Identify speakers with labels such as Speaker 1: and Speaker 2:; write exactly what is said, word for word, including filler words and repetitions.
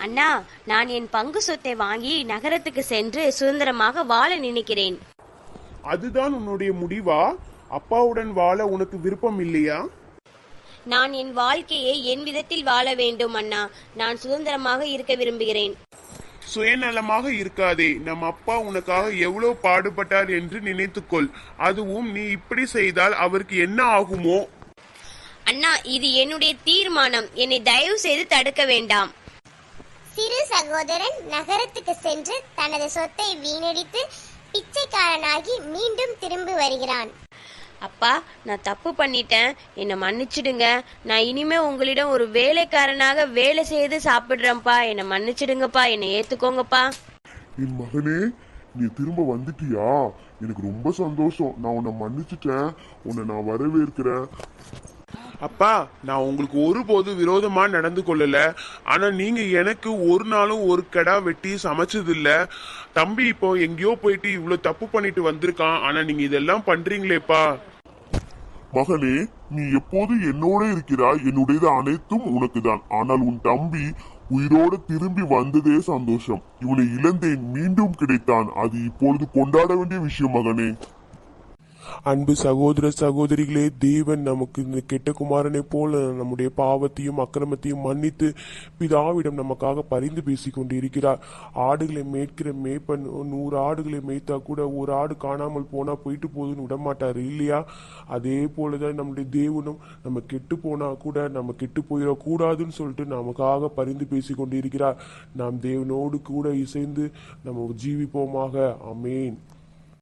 Speaker 1: அண்ணா, நான் என் பங்கு சொத்தை வாங்கி நகரத்துக்கு சென்று சுதந்திரமாக வாழ நினைக்கிறேன்.
Speaker 2: அதுதான் உன்னுடைய முடிவா? அப்பாவுடன் வாழ உனக்கு விருப்பம் இல்லையா?
Speaker 1: நான் என் வாழ்க்கையை என் விதத்தில் வாழ வேண்டும் அண்ணா. நான் சுதந்திரமாக இருக்க விரும்புகிறேன்.
Speaker 2: சுயநலமாக இருக்காதே. நம் அப்பா உனக்காக எவ்வளவு பாடுபட்டார் என்று நினைத்துக்கொள். அதுவும் நீ இப்படி செய்தால் அவருக்கு என்ன ஆகுமோ?
Speaker 1: அண்ணா, இது என்னுடைய தீர்மானம். என்னை தயவு செய்து தடுக்க வேண்டாம்.
Speaker 3: சிறு சகோதரன் நகரத்துக்கு சென்று தனது சொத்தை வீணடித்து பிச்சைக்காரனாகி மீண்டும் திரும்பி வருகிறான்.
Speaker 1: அப்பா, நான் தப்பு பண்ணிட்டேன், என்னை மன்னிச்சிடுங்க. நான் இனிமே உங்களிடம் ஒரு வேலைக்காரனாக வேலை செய்து சாப்பிடுறேன்ப்பா. என்னை மன்னிச்சிடுங்கப்பா, என்னை ஏத்துக்கோங்கப்பா.
Speaker 4: என் மகனே, நீ திரும்ப வந்துட்டியா? எனக்கு ரொம்ப சந்தோஷம். நான் உன்னை மன்னிச்சிட்டேன். உன்னை நான் வரவேற்கிறேன்.
Speaker 2: அப்பா, நான் உங்களுக்கு ஒருபோது விரோதமா நடந்து கொள்ளல. ஆனா நீங்க எனக்கு ஒரு நாளும் ஒரு கடா வெட்டி சமைச்சது இல்ல. தம்பி இப்போ எங்கேயோ போயிட்டு இவ்வளவு தப்பு பண்ணிட்டு வந்திருக்கான். ஆனா நீங்க இதெல்லாம் பண்றீங்களேப்பா.
Speaker 4: மகனே, நீ எப்போது என்னோட இருக்கிறாய். என்னுடையது அனைத்தும் உனக்கு தான். ஆனால் உன் தம்பி உயிரோடு திரும்பி வந்ததே சந்தோஷம். இவனை இழந்தேன், மீண்டும் கிடைத்தான். அது இப்பொழுது கொண்டாட வேண்டிய விஷயம் மகனே.
Speaker 5: அன்பு சகோதர சகோதரிகளே, தேவன் நமக்கு இந்த கெட்ட குமாரனை போல நம்முடைய பாவத்தையும் அக்கிரமத்தையும் மன்னித்து பிதாவிடம் நமக்காக பரிந்து பேசிக் கொண்டு இருக்கிறார். ஆடுகளை மேய்க்கிற மேய்ப்பன் நூறு ஆடுகளை மேய்த்தா கூட ஒரு ஆடு காணாமல் போனா போயிட்டு போகுதுன்னு விடமாட்டாரு இல்லையா? அதே போலதான் நம்முடைய தேவனும் நம்ம கெட்டு போனா கூட நம்ம கெட்டு போயிடக்கூடாதுன்னு சொல்லிட்டு நமக்காக பரிந்து பேசி கொண்டு இருக்கிறார். நாம் தேவனோடு கூட இசைந்து நம்ம ஜீவிப்போமாக. ஆமென்.